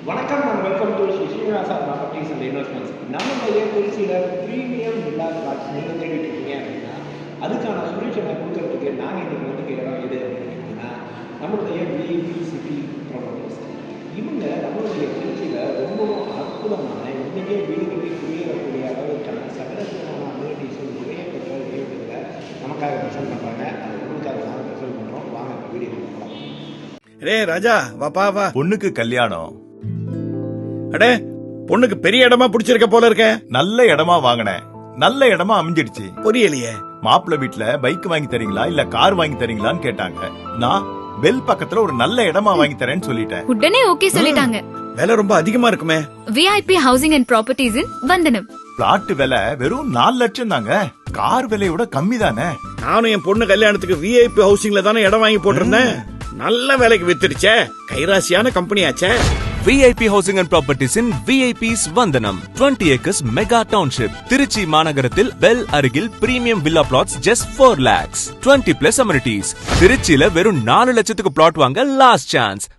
வணக்கம் and welcome to Srinivasa properties and investments. நம்மளுடைய திருச்சியில் ப்ரீமியம் வில்லா பிளாட்ஸ் நீங்கள் தேடிட்டு இருக்கீங்க அப்படின்னா அதுக்கான சொல்யூஷனை கொடுக்கறதுக்கு நாங்கள் இன்றைக்கி வந்து இடம் எது அப்படின்னு கேட்டிங்கன்னா நம்மளுடைய விஐபி சிட்டி ப்ராப்பர்ட்டிஸ். இவங்க நம்மளுடைய திருச்சியில் ரொம்பவும் அற்புதமான இன்றைக்கே வீடுகளில் குடியேறக்கூடிய அளவுக்கான சகலமான அம்யூனிட்டிஸும் நிறைய பெற்ற வீடுகளில் நமக்காக ப்ரெசென்ட் பண்ணுறாங்க. அது உங்களுக்காக நாங்கள் ப்ரெசென்ட் பண்ணுறோம். வாங்க இப்போ வீடியோ பார்க்கலாம். ரே ராஜா வாப்பா வா. பொண்ணுக்கு கல்யாணம். அடே பொண்ணுக்கு பெரிய இடமா பிடிச்சிருக்க போல இருக்க. நல்ல இடமா வாங்கினேன், நல்ல இடமா அமைஞ்சிடுச்சு. புரியலையே. மாப்பிள்ளை வீட்டுல பைக் வாங்கி தரீங்களா இல்ல கார் வாங்கி தரீங்களான்னு கேட்டாங்க. நான் பெல் பக்கத்துல ஒரு நல்ல இடமா வாங்கி தரேன்னு சொல்லிட்டேன். உடனே ஓகே சொல்லிட்டாங்க. விலை ரொம்ப அதிகமா இருக்குமே. விஐபி ஹவுசிங் அண்ட் ப்ராப்பர்ட்டிஸ் இன் வந்தனம். பிளாட் விலை வெறும் 4 லட்சம் தாங்க. கார் விலையோட கம்மி தானே. நானும் என் பொண்ணு கல்யாணத்துக்கு விஐபி ஹவுசிங்ல தானே இடம் வாங்கி போட்டிருந்தேன். நல்ல வேலைக்கு வித்துடுச்சே. கைராசியான கம்பெனி ஆச்சே. VIP Housing and Properties in VIP's Vandanam 20 acres mega township Trichy மாநகரத்தில் பெல் அருகில் premium villa plots just 4 lakhs 20 plus amenities. திருச்சியில வெறும் 4 லட்சத்துக்கு பிளாட் வாங்க லாஸ்ட் சான்ஸ்.